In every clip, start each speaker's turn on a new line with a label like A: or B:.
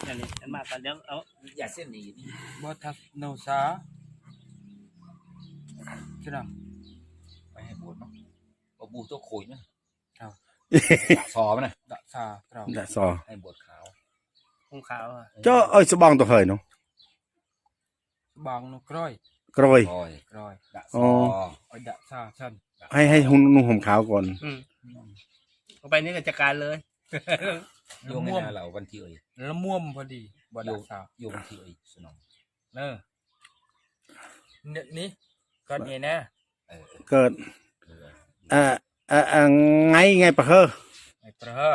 A: อันนี้อันมาตอนเดี๋ยวเอา
B: อย่าเส้นนี้นี่
C: บ่ทักโนซาใช่ไหม
B: ไปให้บวชเนาะบ่บูตัวโขยนะ
C: ดะ
B: ซอมันนะ
C: ดะซาเรา
D: đã sò
B: ให้บวชขาว
A: คงขาวอ่ะ
D: cho ơi số bong tôi hơi nó
C: บางนกร้อย
D: rồi
B: คอย
C: ร้อย
B: ดะซอ
C: ไอ้ดะซาชัน
D: hay hun nung hồng khảo còn
A: เอาไปนี่ก็จัดการเลย
B: โยงให้นาเราวันที่เอ่ย
C: แล้วม่วมพอดีบ่ดะซา
B: โยงวันที่เอ่ยสนอง
C: เนอะนี่ก่อนเองนะ
D: cơn ngay ngay bờ hơ
C: ไอ้ประเฮอ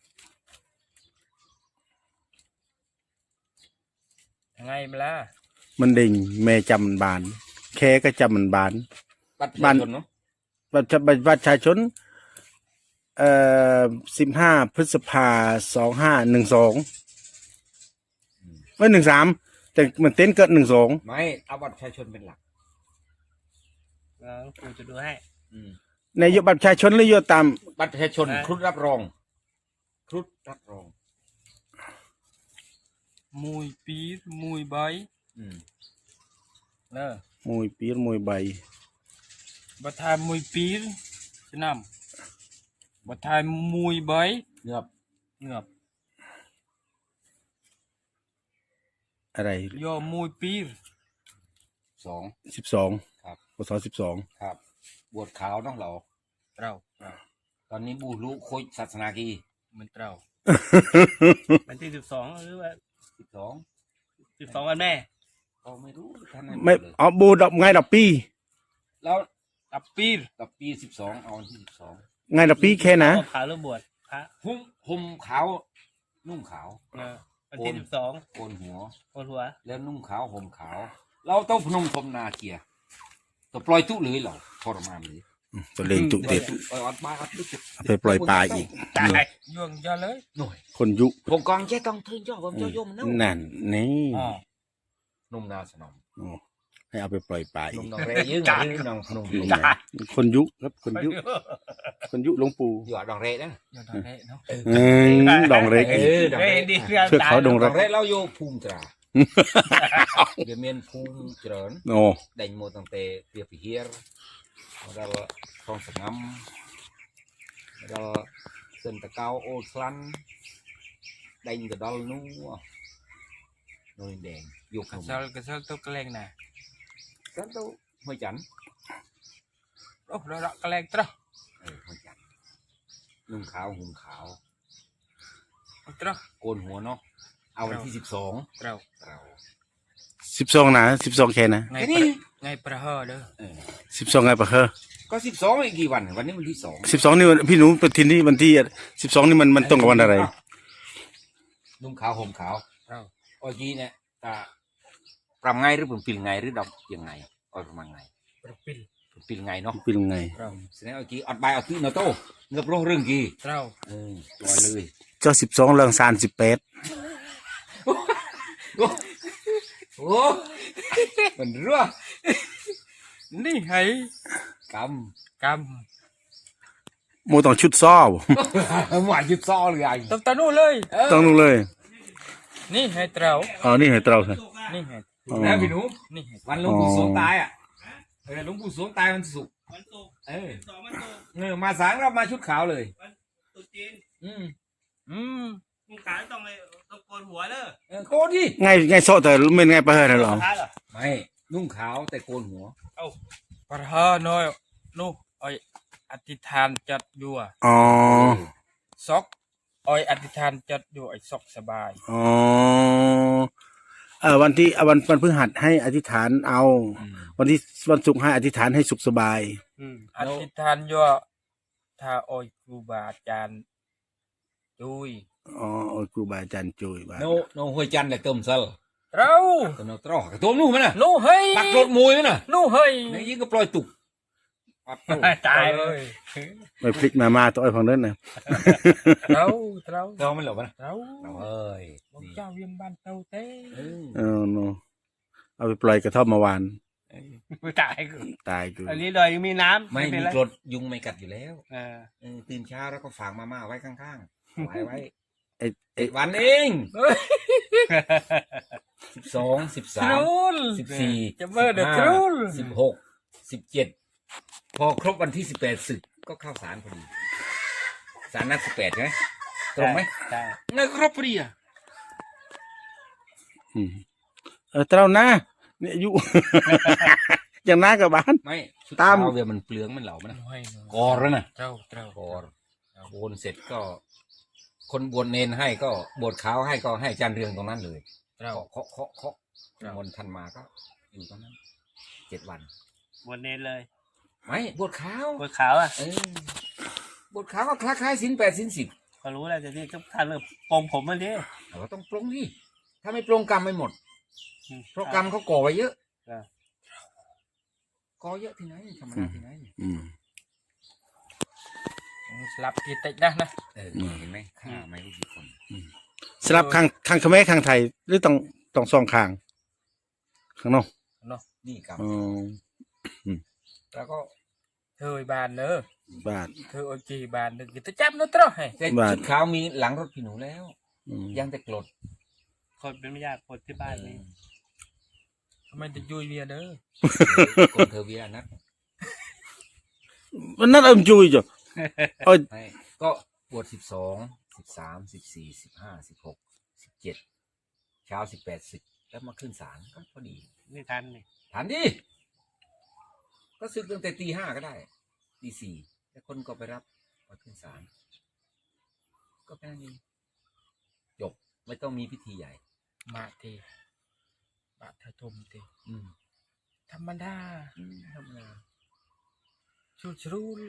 C: ยังไงมาล่ะ
D: mình đình mẹ chầm bàn khe cái chầm mình bán
B: บัตรประชาชนเนาะ
D: บัตรประชาชน15 พฤษภา2512ไม่13แต่มันเต้นเกิด12
B: ไม่เอาบัตรประชาชนเป็นหลัก
A: กูจะดูให้
D: ในยบัตรประชาชนหรือยตาม
B: บัตรประชาชนครุฑรับรองครุฑรับรอง
C: มวยปีมวยใบเนอะ
D: มวยปีมวยใบ
C: บัทายมวยปีใช่ไหมบัทายมวยใบ
B: เงือบ
C: เงือบ
D: อะไร
C: ยอมวยปี
D: 12
B: ครับ
D: พศ12
B: ครับบวชขาวน้องเรา
C: เรา
B: ตอนนี้บูรู้โคยศาสนากี
C: มันเรา
A: วันที่12หรือว่า
B: 12
A: 12วันแม่
B: ก็ไม่รู้ท่าน
D: ไม่เอาบูดอกไงดอกปี
B: แล้ว
C: ตับปี
B: กับปี12เอาวันที่12
D: ไงดอกปีแค่นะ
A: ขาวหรือบวชพระ
B: ห่มขาวนุ่งขาว
A: วันที่12
B: โกนหัว
A: โกนหัว
B: แล้วนุ่งขาวห่มขาว เราต้องพนมพรมนาเกียร์ตัวปล่อยตุเลยเหรอทรมานเลย
D: ตัวเล่งตุเต็ด
B: อัดบ้าอัดลึก
D: ไปปล่อยปลาอีก
A: ตาย
C: ย่วงยาเลย
B: หน่อย
D: คนยุ
B: ผมกองแค่ต้องทึงย่อผมเจ้ายมนะ
D: นั่นนี่
B: นุ่มนาสนม
D: โอ้ให้เอาไปปล่อยปลาอี
B: นุ่ม
D: ก
B: นองเรยืงยืงนองพนม
D: คนยุครับคนยุคนยุหลวงปู่
B: อยู่ดองเรนะ
C: ย่วงทางนี้เนาะ
D: ดองเล็ก
B: ดอง
A: เฮ้ย
B: เร
A: ดีเครื่อง
D: เชือกเขาดง
B: ดองเรเราโยภูมิตราเดี๋ยวเมียนภูมิเจริญ
D: โอ้
B: đành một thằng tề việc phải hiền đó là không phải ngắm đó là sân ta cao ô lăn đành cái đó nó rồi đèn dục
C: กระ
B: hồng
C: เซลกระเซลตัวกระเลงน่ะ
B: rất đâu hơi chắn
C: โอ้เรากระเลงตระ
B: hơi chắn nung khảo hùng khảo
C: ตระ
B: cônหัวnó aoวันที่12
C: เรา
B: เรา
D: 12นะ12แค่นะ
C: ไง
B: แค่นี้
C: ไงประเฮอเด้อ
D: 12ไงปะเฮ้อ
B: ก็12อีกกี่วันวันนี้วันที่2
D: 12นี่พี่หนูไปทินนี่วันที่12นี่มันตรงกับวันอะไร
B: นุ่งขาวห่มขาว
C: เรา
B: เมื่อกี้เนี่ยแต่ปรับไงหรือผมปิลไงหรือดอกยังไงประมาณไง
C: ประปิล
B: ปิลไงเนาะ
D: เป็นไง
C: เรา
B: แสดงว่ากี้อัดใบอัดตื้อเนาะโตเงือบโรคเรื่องกี้
C: เรา
B: ลอยเลย
D: เจ้า12เรื่องซาน18
B: โอ้มันรั่ว
C: นี่ไง
B: ก
C: ก
D: โมต้องชุดซ้อ
B: ำหวานยุดซ้อเลยไง
C: ำตะนู่เลย
D: ต้องนู่นเลย
C: นี่ให้เรา
D: อ๋อนี่ให้เตราค่ะ
C: นี่ให้
B: นะพี่หนู
C: นี่ให้
B: วันหลวงปู่สวงตายอ่ะหลวงปู่สวงตายวันศุกร์
A: วันศุกร์
B: เออ
A: 12วันศุกร์
B: มาสางเรามาชุดขาวเลย
A: วันตรุษจีน
B: อืม
A: มึงขาวต้องเลยต้องโกนหัวเด้อ
B: โกนดิ
D: ไงโซแต่ไม่ไงปะเฮ้อนั่นหรอ
A: พระเหรอ
B: ไม่นุ่งขาวแต่โกนหัว
C: ประเฮอน้อยนู่ไออธิษฐานจัดอยู่
D: อ๋อ
C: ซอกออยอธิษฐานจัดอยู่ไอซอกสบาย
D: อ๋อวันที่วันพฤหัสให้อธิษฐานเอา วันที่วันศุกร์ให้อธิษฐานให้สุขสบาย
C: อธิษฐานอยู่ถ้าออยครูบาอาจารย์จุย
D: อ๋อครูบาอาจารย์จุยบา
B: โนหัวจันทร์เลยต้มซะ
C: เรา
B: ตัวโนตรอกตัวนู่นมันน่ะ
C: นู่เฮ้ย
B: ปักรถมวยมันน่ะ
C: นู่เฮ้ย
B: ในยิ่งก็ปล่อยตุก
A: ตายเลย
D: ไปพลิกมาตัวไอ้ฝั่งนั้นนะ
C: เรา
B: เราไม่หลบนะ
C: เรา
B: เอ้ย
C: บอกเจ้าเวียงบ้านเต้าเต้
D: โนเอาไปปล่อยกระท่อมเมื่อวาน
A: ตายกู
D: ตายกู
A: อันนี้เลยมีน้ำ
B: ไม่
A: เป็
B: มี
A: นไร
B: กรดยุงไม่กัดอยู่แล้ว
A: เออ
B: ตื่นเช้าแล้วก็ฝากมาม่าไว้ข้างๆไว้
D: ไอ้
B: วันเอง12 13 14
C: จะเมื่อเดือดทรูล
B: 16 17พอครบวันที่18ศึกก็เข้าศาลพอดีศาลนัด18ใช่ไหมตรงไหม
C: ใช่
B: งั้นครบพอดีอ่ะ
D: อืมเต้าหน้าเนี่ยอายุ อย่างหน้ากับบ้าน
B: ไม่ชุด
D: ตาม
B: เท้าเวียมันเปลืองมันเหล่ามันนะ
C: น้อย
B: กอแล้วนะ
C: เจ้าเจ้าก
B: อโบนเสร็จก็ คนบวชเนนให้ก็บวชขาวให้ก็ให้อาจารย์เรืองตรงนั้นเลย
C: เจ้า
B: เคาะมนต์ท่านมาก็อยู่ตรงนั้น7 วัน
A: บนเนนเลย
B: ไม่บวชขาว
A: บนขาวอ่ะ
B: บวชขาวก็คล้ายๆศีล8ศีล10
A: ก็รู้แล้วจะนี่ก็ท่านเริ่มปรงผมมาดิ
B: เราก็ต้องปรงดิถ้าไม่ปรงกรรมไม่หมด เพราะกรรมเขาก่อไว้เยอะก่อเยอะที่ไหนธรรมดาที่ไหน
D: อืม
C: สลับกีตินะนะ
B: เห็นไหมฆ่าไม่รู้กี่คน
D: สลับข้างเขมรข้างไทยหรือต้องสองข้างข้างนอก
B: นี่กรรม
D: อ๋อ
B: แล้วก็
C: เธอบานเนอะ
D: บ้าน
C: เธอโอจีบานนึกจะจับนึกตรอให้
B: แต่
D: บ้าน
B: ชุดขาวมีหลังรถพี่หนูแล้ว
D: อืม
B: ยังแต่กรด
A: คนเป็นไม่ยากคนที่บ้านนี่
C: ทำไมจะยุยเวียเด้อ
B: คนเทอร์เวียนัด
D: มันนั่นเอาจุยจ้ะเอ้ย
B: ให้ก็บวช12 13 14 15 16 17เช้า18ศึกแล้วมาขึ้นศาลก็พอดี
A: ไม่ทันนี่
B: ทันดิก็ศึกตั้งแต่ตี 5ก็ได้ตี 4แล้วคนก็ไปรับมาขึ้นศาลก็แค่นี้จบไม่ต้องมีพิธีใหญ่
C: มาทีบาททมที
B: อืม
C: ธรรมดา
B: ธรรมดา
C: ชูชรูล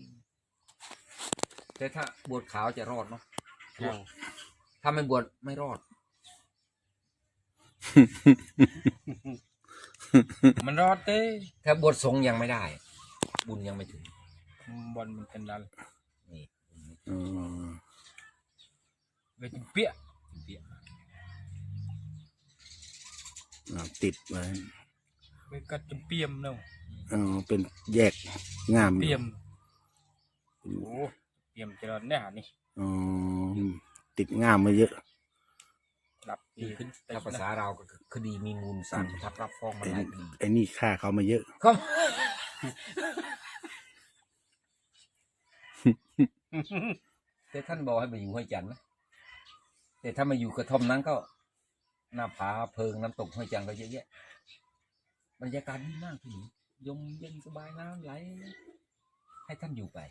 B: แต่ถ้าบวชขาวจะรอดเนาะ
C: เจ้า
B: ถ้าไม่บวชไม่รอด
C: มันรอดเต้
B: ถ้าบวชสงฆ์ยังไม่ได้ บุญยังไม่ถึง
C: บอลมันกันดัน
B: นี่
D: อ๋อ
C: เวทเปี้ย
B: เบี้ย
D: ติดไว้
C: เวทกัดจมเปียมเนาะ
D: อ๋อเป็นแยกงาม
C: เปียมโอ้เปียมเจริญเนี่ยนี่
D: อ๋อติดงามมาเยอะ
C: หลับดีขึ้น
B: ถ้าภาษาเราก็คือคดีมีมูลสารประทับรับฟ้องมาหลายคดี
D: ไอ้นี่ฆ่าเขามาเยอะ
B: ครับแต่ท่านบอกให้มาอยู่ห้วยจันทร์นะแต่ถ้ามาอยู่กระท่อมนั้นก็หน้าผาเพิงน้ำตกห้วยจันทร์ก็เยอะแยะบรรยากาศดีมากที่นี่ยมเย็นสบายน้ำไหลให้ท่านอยู่ไป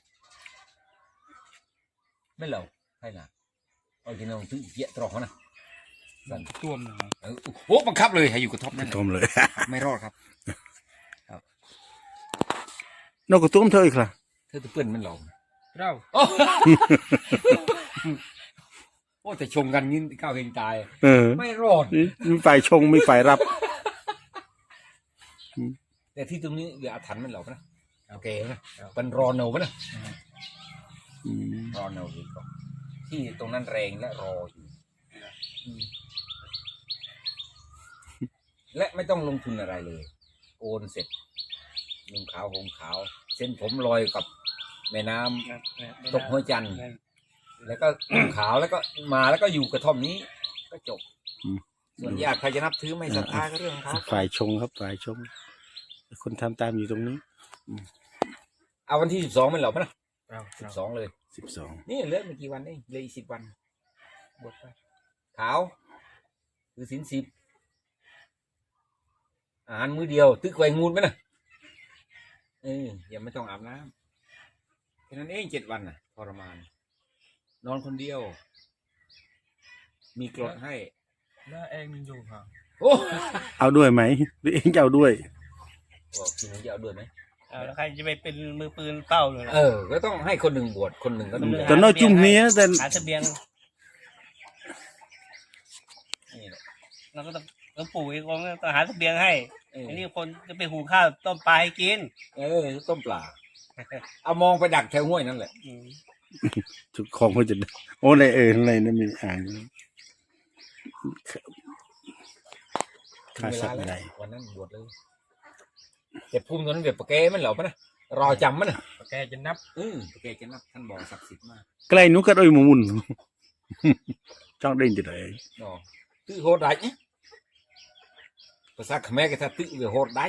B: ไม่เหล่าให้นะเอาจริงๆถึงเยอะตรอกนะสั่น
C: ตัวมหน่อย
B: โอ้บังคับเลยให้อยู่กระท่อมนั่น
D: ทมเลย
B: ไม่รอดครับ
D: นกกระตุ้มเธออีกล่ะ
B: เธอจะเปื้อนมันหลอก
C: เรา
B: โอ้แต่ชงกันยิ่งก้าวเฮงตาย
D: เออ
B: ไม่รอด
D: มีฝ่ายชงมีฝ่ายรับ
B: แต่ที่ตรงนี้อย่าอาถรรพ์มันหรอกนะโอเคนะเป็นรอเนานะ
D: อืม
B: รอเนาดีกว่าที่ตรงนั้นแรงและรออยู่และไม่ต้องลงทุนอะไรเลยโอนเสร็จนุ่งขาวห่มขาว เส้นผมลอยกับแม่น้ำตกห้วยจันทร์แล้วก็นุ่งขาวแล้วก็มาแล้วก็อยู่กระท่อมนี้ ก็จบส่วนญาติใครจะนับถือไม่ศรัทธาก็เรื่องของเขา
D: ฝ่ายชงครับฝ่ายชง คนทำตามอยู่ตรงนี้
B: เอาวันที่12มันเหรอปะนะ
C: เรา
B: 12เลย
D: 12
B: นี่เหลือไม่กี่วันเองเหลย10 วันบวชไปขาวคือศีล10อาหารมื้อเดียวตึกไว้งูดไหมนะอย่าไม่ต้องอาบน้ำแค่นั้นเอง7 วันน่ะทรมาน นอนคนเดียว มีกรดให้
C: แล้วเองมันอยู่ค่ะ
B: โอ้
D: เอาด้วยไหมหรือเองจะเอาด้วย
B: บอกคุณจะเอาด้วยไหม
A: แล้วใครจะไปเป็นมือปืนเป้าเลย
B: ก็ต้องให้คนหนึ่งบวชคนหนึ่งก็ต้อง
D: แต่น้อยจุ่มเนี้ยแต่
A: หาเสบียง
B: นี่แหละ
A: เราก็ต้องปลูกเองก็ต้องหาเสบียงให้
B: เออ
A: อันนี้คนจะไปหุงข้าวต้มปลาให้กิน
B: ต้มปลาเอามองไปดักแถวห้วยนั่นแหละ
D: ทุกของเขาจะโอ้ในในนั้นมีอ่าง
B: ถึง
D: ค่า
B: เว
D: สั
B: ลา
D: ตว์
B: แล้ว
D: ใด
B: วันนั้นบวชเลยแต่ภูมิตอนนั้นเดี๋ยวปะแกมันเหล่าปะนะรอจำมันนะ
C: แกจะนับ
B: ปะแกจะนับท่านบอกศักดิ์สิทธิ์มาก
D: ใกล้นุกัดอ้อยหมุนจ้องเด้งจะไหน
B: đó tự hột đánh nhé và sao khmer cái ta tự về hột đánh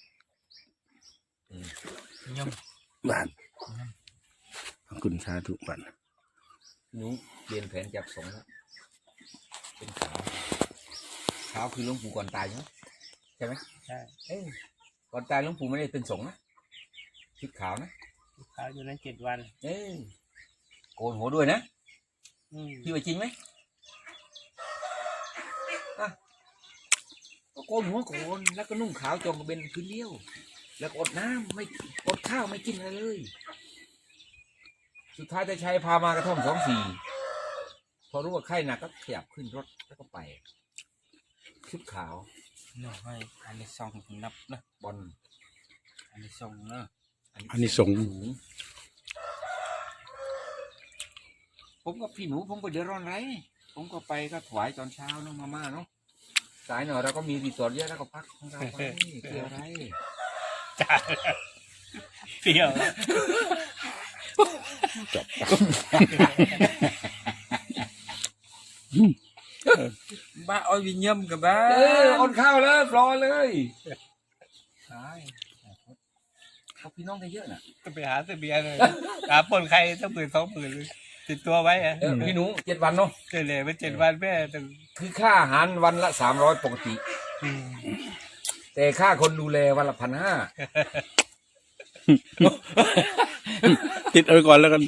C: ย่อม
D: บ้านขอบคุณสาธุบ้าน
B: nhú điền phèn chập sống đóเป็นขาวขาวคือหลวงปู่ก่อนตายใช่ไหม
C: ใช่
B: เอ้ยก่อนตายหลวงปู่ไม่ได้เป็นสงฆ์นะชุดขาวนะ
C: เขาอยู่นั้น7 วัน
B: เอ้ยโกนหัวด้วยนะ
C: อืม
B: พี่ว่าจริงไหมอ่ะก็โกนหัวโกนแล้วก็นุ่งขาวจงกระเบนพื้นเลี้ยวแล้วก็อดน้ำไม่อดข้าวไม่กินอะไรเลย สุดท้ายแต่ชัยพามากระท่อม24พอรู้ว่าไข้หนักก็ขยับขึ้นรถแล้วก็ไป ชุดขาว
C: เนาะให้อันนี้ส่องนับนะ
B: บอล
C: อันนี้ส่องเนาะ
D: อันนี้ส่ง
B: สูงผมกับพี่หนูผมก็เดือดร้อนไรผมก็ไปก็ถวายตอนเช้าเนาะมาม่าเนาะสายหน่อยเราก็มีรีสอร์ทเยอะแล้วก็พักของเราไปเกี่ยวอะไร
C: จ้าเปรี้ยว บ้าอ้อยวิญญาณกับบ้า
B: อดข้าวเลยรอเลยใช่เขาพี่น้องกันเยอะน่ะ
C: ก็ไปหาเสบียงเลยหาปนใครสัก10,000 20,000ติดตัวไว้อะ
B: พี่หนู7 วันเนาะ
C: เฉลี่ยไป7 วันแม่แต่
B: คือค่าอาหารวันละ300ปกติ แต่ค่าคนดูแลวันละ1,500
D: ติดเอาไว้ก่อนแล้วกัน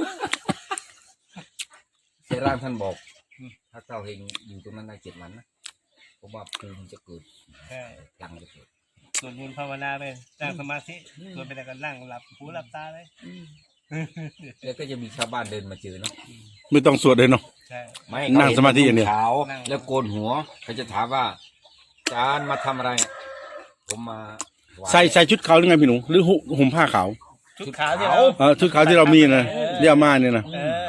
B: เสร่างท่านบอก ถ้าเจ้าเฮงอยู่ตรงนั้นได้7 วันนะผมว่าภูมิจะเกิด
C: ใช่
B: พลังจะเกิด
C: ส่วนบุญภาวนาไปนั่งสมาธิส่วนไปแต่ก็นั่งหลับหูหลับตาเลย
B: แล้วก็จะมีชาวบ้านเดินมาเจอเนาะ
D: ไม่ต้องสวดเลยเนาะ
C: ใช่
B: ไม่
D: นั่งสมาธิอย่างเดียว
B: ขาวแล้วโกนหัวเขาจะถามว่าอาจารย์มาทำอะไร ผมมาถวาย
D: ใส่ชุดขาวหรือไงพี่หนูหรือห่มผ้าขาว
C: ชุดขาวที่เรา
D: ชุดขาวที่เรามีนะเรียกมาเนี่ยนะ
C: เออ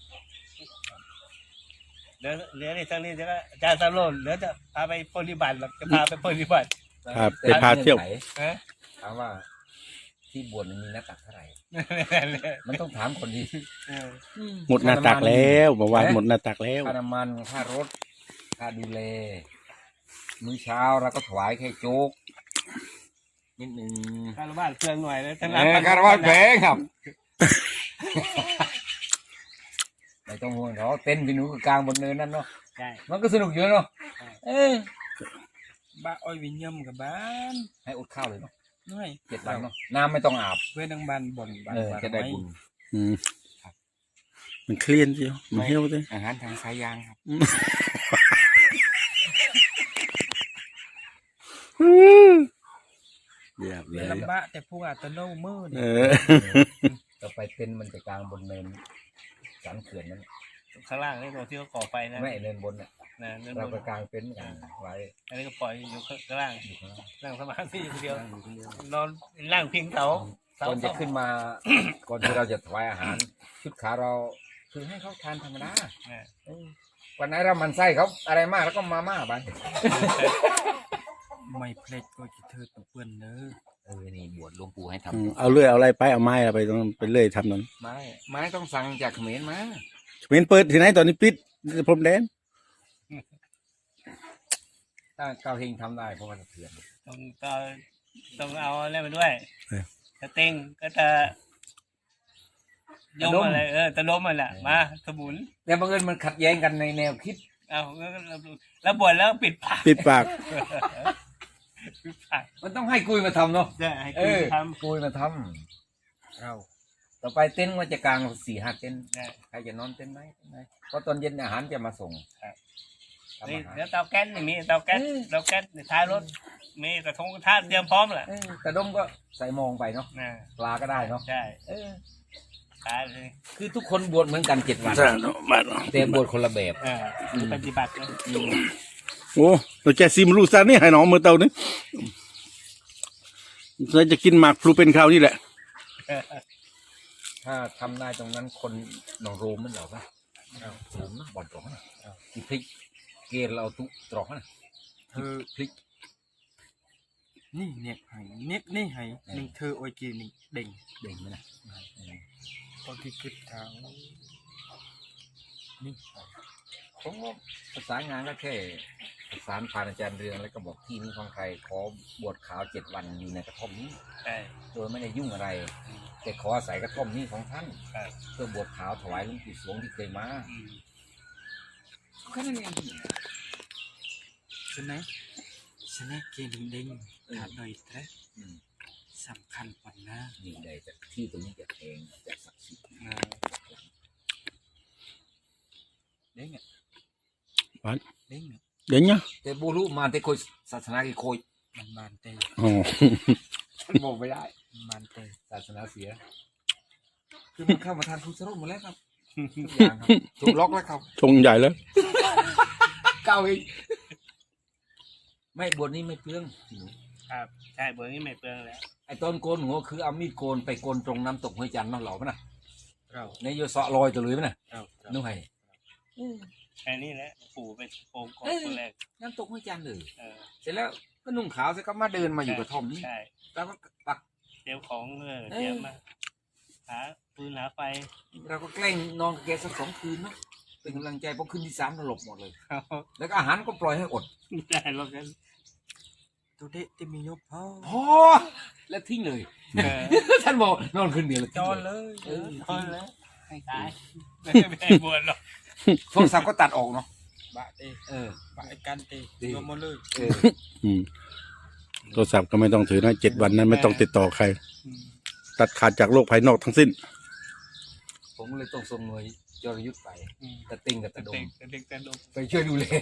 C: เหลือในทางนี้จะก็อาจารย์สำโรจน์เหลือจะพาไปปฏิบัติหรอกจะพาไปปฏิบัติ
D: ครับไปพาเที่ยว
C: ฮะ
B: ถามว่าที่บวชมันมีหน้าตักเท่าไหร่ มันต้องถามคนที่
C: เออ
D: หมดหน้าตักแล้วบอกว่าหมดหน้าตักแล้ว
B: ค่าน้ำมันค่ารถค่าดูแลมื้อเช้าเราก็ถวายแค่โจ๊กนิดนึง
C: คารวะเครื่องหน่อยแล้วทั้ง
B: คารวะแพงครับ ไม่ต้องห่วงเขาเต้นพี่หนูกลางบนเนินนั่นเนาะ
C: ใช่
B: มันก็สนุกอยู่เนาะเออ
C: บ้าอ้อยวิญญาณกับบ้าน
B: ให้อดข้าวเลยเนาะ
C: น้อย
B: 7 วันเนาะน้ำไม่ต้องอาบ
C: เพื่อนดังบ้านบ่นบ้าน
B: จะได้บุญ
D: อืมมันเคลียนเชียวมันเฮี้ยวเลย
B: อาหารทางสายยางครับ
D: เรียบเล
C: เป็น
D: ย
C: ลำบากแต่พวกอาตโนมืด
B: ต่อไปเต้นมันจะกลางบนเนินสันเขื่อนนั้น
C: ข้างล่างนี่ตัวที่เขาก่อไฟนะ
B: ไม่เนินบนน่ะ
C: นะนั่น
B: เราก็กลางเต็นท์กันไว้
C: อันนี้ก็ปล่อยอยู่ข้างล่าง
B: อยู่ข้างล่าง
C: นั่งสมาธิอย่างเดียว
B: นั่งอยู่คนเดียวน
C: อนนั่งพิงเสา
B: ก่อนจะขึ้นมา ก่อนที่เราจะถวายอาหาร ชุดขาเราคือให้เขาทานธรรมดา
C: เนี่ย
B: วันไหนเรามันไส้เขาอะไรมากแล้วก็มาม่าไป
C: ไม่เพลดก็จะเธอตัวเปื้อนเนื้อ
B: นี่บวชหลวงปู่ให้ท
D: เอาเลื่อยเอาอะไรไปเอาไม้อะไรไปต้องไปเลื่อยทำนั้น
B: ำไม้ต้องสั่งจากเขมรมา
D: เป็นเปิดที่ไหนตอนนี้ปิดพรมแดน
B: ถ้าเกาเฮงทำได้เพราะว่าเถื่อน
C: ต้องเอาอะไรมาด้วยจะเต็งก็จะยมอะไรตะลมอะไรมาสมุน
B: แต่บังเอิญมันขัดแย้งกันในแนวคิด
C: เอาแล้วบ่นแล้วปิดปาก
D: ปิดปาก
C: ปิดปาก
B: มันต้องให้กุยมาทำเนาะ
C: จะให้คุณท
B: กุยมาทำเราต่อไปเต็นท์มันจะกลาง4-5เต็นท์
C: ำ
B: ใครจะนอนเต็นท์ไหนเพราะตอนเย็นอาหารจะมาส่งทำ
C: นี่
B: อาหาร
C: แล้วเตาแก๊สนี่มีเตาแก๊สในท้ายรถมีกระทงกระทะเตรียมพร้อมแหละ
B: กระด้งก็ใส่มองไปเนาะ
C: นะ
B: ปลาก็ได้เนาะ
C: ใช่ตายเลย
B: คือทุกคนบวชเหมือนกัน7 วัน
D: มา
B: แต่บวชคนละแบบ
C: ปฏิบัตินะ
D: โอ้ตัวแกซิมรูซานี่ให้น้องมือเตานี่เราจะกินหมากพลูเป็นคราวนี่แหละ
B: ถ้าทำได้ตรงนั้นคนหนองโรมมันเหรอปะโรมนะบ่อนตรงนะกี่พริกเกลเราตุตรอกนะ
C: เธอ
B: พริก
C: นี่เนี่ยให้เนี่ยนี่ให้หนึ่งเธอโอยกีนี่เด่ง
B: เด่งไหมนะ
C: ตอนที่คิดทางนี่
B: ผมก็ประสานงานก็แค่ประสานผ่านอาจารย์เรืองแล้วก็บอกที่นี้ของใครขอบวชขาว7 วันอยู่ในกระท่อมนี้
A: ใช่
B: โดยไม่ได้ยุ่งอะไรแต่ขออาศัยกระท่อมนี้ของท่าน
A: ใช่
B: เพื่อบวชขาวถวายหลวงปู่สวงที่เคยมา
A: อืม
B: แค่นั้นเอง
C: ฉะนั้นเกณฑ์ดิ้งถ้าโดยแท้
B: อืม
C: สำคัญกว่านะ
B: นี่ได้จากที่ตรงนี้จะแพงจะศักดิ์สิทธิ์
C: เด้งอ่ะ
D: วัน
C: เด้งอ่ะ
D: เดี๋ยวเนี้ย
B: แต่บูรุมาแต่โคยศาสนากี่โคย
C: มันบานเตะ
D: อ๋อ
B: มันบอกไม่ได้
C: มันบานเตะ
B: ศาสนาเสีย คือมันเข้ามาทานทุสรุปหมดแล้วครับทุกอย่างครับถูกล็อกแล้วครับ
D: ชงใหญ่แล้ว
B: เก้าเองไม่บวชนี่ไม่เปลือง
A: ครับใช่เบอร์นี้ไม่เปลืองแล้ว
B: ไอ้ตอนโกนหัวคือเอามีดโกนไปโกนตรงน้ำตกห้วยจันทร์น้องเหล่ามั้ยนะ
C: เรา
B: ในโยเสาะลอยตัวเลยมั้ยนะ
C: เรา
B: นู่นไง
A: แค่นี้แหละปู่ไปโกงก่อนคนแรก
B: น้ำตกห้วยจันทร์เลย
A: เออ
B: เสร็จแล้วก็นุ่งขาวเสร็จก็มาเดินมาอยู่กระท่อมนี้
A: ใช่
B: แล้วก็ปัก
A: เตรียมของเตรียมมาหาปืนหาไฟ
B: เราก็แกล้งนอนกับแกสัก2 คืนเนาะเป็นกำลังใจพอคืนที่3เราหลบหมดเลย
A: เขา
B: แล้วก็อาหารก็ปล่อยให้อด
A: ได้หรอกกัน
C: ตัวเด็กที่มียกพ่อ
B: พอแล้วทิ้งเลย
A: เออ
B: ท่านบอกนอนคืนเดียวแล้ว
C: จ
B: ทิ้ง
C: อน
B: เลย
C: เลย
A: พอแล้วให้ตายไม่ให้บวชหรอก
B: โทรศัพท์ก็ตัดออกเนาะ
C: บะเตะ
B: เออ
C: บะไอ้กันเตะยกมาเลย
B: เออ
D: อืมโทรศัพท์ก็ไม่ต้องถือนะ7 วันนั้นไม่ต้องติดต่อใคร ตัดขาดจากโลกภายนอกทั้งสิ้น
B: ผมเลยต้องส่งหน่วยยรยุทธไปตะติงกับตะด
A: เด็
B: ม
A: กเด็กแต่ดม
B: ไปช่วยดูแล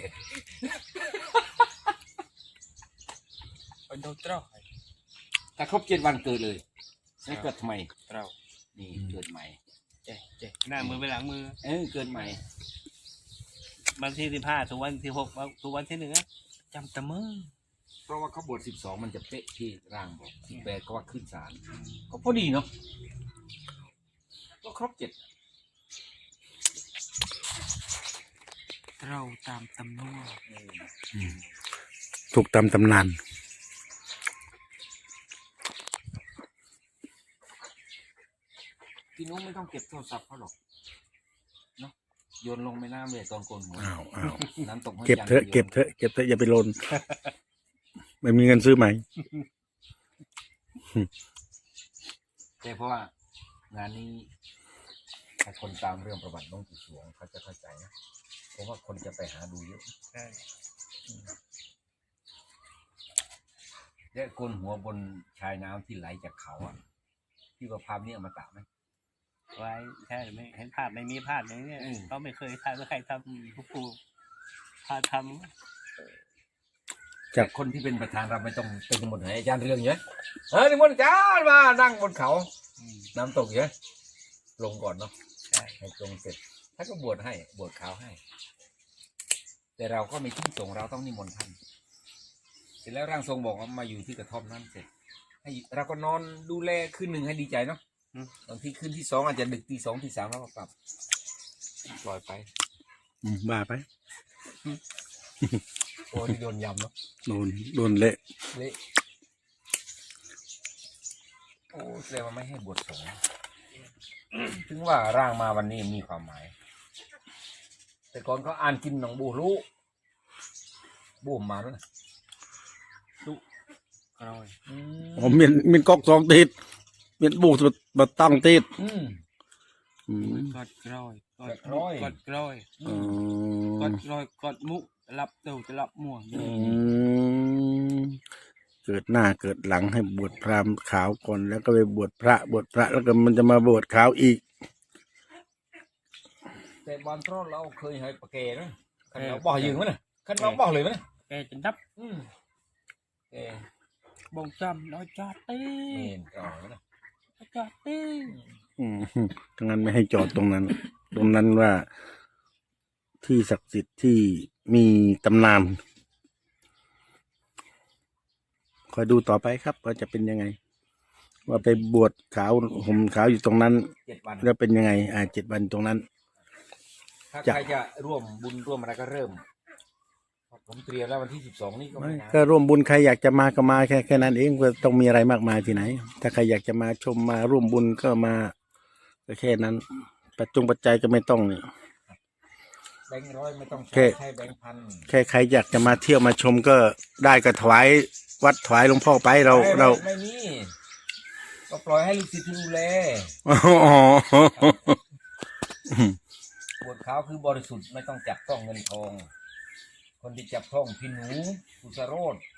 C: ไปโดนเต้า
B: ถ้าครบ7 วันเกิดเลยนี่เกิดทำไม
C: เรา
B: นี่เกิดใหม่
C: เจ๊เจ๊
A: หน้ามือไปหลังมือ
B: เกิดใหม่
A: วันที่15ถึงวันที่6ถึงวันที่1
C: จำตะมือ
B: เพราะว่าเขาบวช12 มันจะเป๊ะที่ร่างบอก18ก็ว่าขึ้นศาลก็พอดีเนาะก็ครบ7
C: เราตามตำนวน
D: ถูกตามตำนาน
B: พี่นุ้งไม่ต้องเก็บโทรศัพท์เขาหรอกเนาะโยนลงแม่น้ำเลยตอนโกนหัว
D: อ้าวอ้าว
B: น้ำตกห้วย
D: เก็บ
B: จันทร์
D: เถอะเก็บเถอะเก็บเถอะอย่าไปลน ไม่มีเงินซื้อใหม่
B: แต่เพราะว่างานนี้ถ้าคนตามเรื่องประวัติหลวงปู่สวงเขาจะเข้าใจนะเพราะว่าคนจะไปหาดูเยอะ
A: ใช่
B: และโกนหัวบนชายน้ำที่ไหลจากเขาอ่ะที่ว่าภาพนี้เอามาตากไหม
A: ไว้ใช่ไม่เห็นภาพไม่มีภาพอย่างเนี้ย
B: อืม
A: เขาไม่เคยทำใครทำปู่พาท
B: แต่คนที่เป็นประธานเราไม่ต้องเป็นหมดเลยอาจารย์เรื่องเยอะนิมนต์อาจารย์มานั่งบนเขา
A: ำ
B: น้ำตกเยอะลงก่อนเนาะ
A: ใช่
B: ให้ลงเสร็จท่านก็บวชให้บวชขาวให้ แต่เราก็มีที่ส่งเราต้องนิมนต์ท่านเสร็จแล้วร่างทรงบอกว่ามาอยู่ที่กระท่อมนั้นเสร็จให้เราก็นอนดูแลคืน 1ให้ดีใจเนาะบางทีคืนที่ 2อาจจะดึกตี 2ตี 3แล้วก็กลับปล่อยไป
D: บ้าไป
B: โอ้ที่โดนยำเนาะ
D: โดนเละ
B: เละโอ้แสดงว่าไม่ให้บวชสงฆ์ถึงว่าร่างมาวันนี้มีความหมาย แต่ก่อนเขาอ่านกินหนองบูรู้บูมมาแล้วนะ
C: เรา
D: ผมมีก๊อก2 ติดมีบูสบัดตั้งติด
B: อืม
C: กอดกรอย
B: กอดกร้อย
C: กอดกรอย
D: อื
C: กอ
D: ม
C: ดกรอยกอดมุจะรับเต่าจะรับม่วง
D: เกิดหน้าเกิดหลังให้บวชพราหมณ์ขาวก่อนแล้วก็ไปบวชพระแล้วก็มันจะมาบวชขาวอีก
B: แต่บอลทรอเราเคยให้ปะเกนะขันเราบ่อยืงมั้ยนะขันเราบ่อเลยมั้ยนะ
C: แกจะดับ
B: อืมเออบ
C: งจำน้อยจอดตี
B: เมนก่อนนะ
C: จอดตี
D: ทั้งนั้นไม่ให้จอดตรงนั้น ตรงนั้นว่าที่ศักดิ์สิทธิ์ที่มีตำนานคอยดูต่อไปครับว่าจะเป็นยังไง ว่าไปบวชขาวห่มขาวอยู่ตรงนั้น
B: 7 วัน
D: แล้วเป็นยังไง7 วันตรงนั้น
B: ถ้า
D: จะ
B: ใครจะร่วมบุญร่วมอะไรก็เริ่มผมเตรียมแล้ววันที่ 12นี่ก็ไม่นาน
D: ก็ร่วมบุญใครอยากจะมาก็มาแค่นั้นเองก็ต้องมีอะไรมากมายที่ไหน ถ้าใครอยากจะมาชมมาร่วมบุญก็มาก็แค่นั้นปัจจัยก็ไม่ต้องนี่
B: แบงค์ร้อยไม่ต้อง
D: แค่
B: ใช้แบงค์พัน
D: แค่ใครอยากจะมาเที่ยวมาชมก็ได้ก็ถวายวัดถวายหลวงพ่อไปเรา
B: ไม่มีก็ปล่อยให้ลูกศิษย์ดูแล
D: อ๋อ
B: บวชขาวคือบริสุทธิ์ไม่ต้องจับต้องเงินทอง คนที่จับต้องพี่หนูอุสโรธ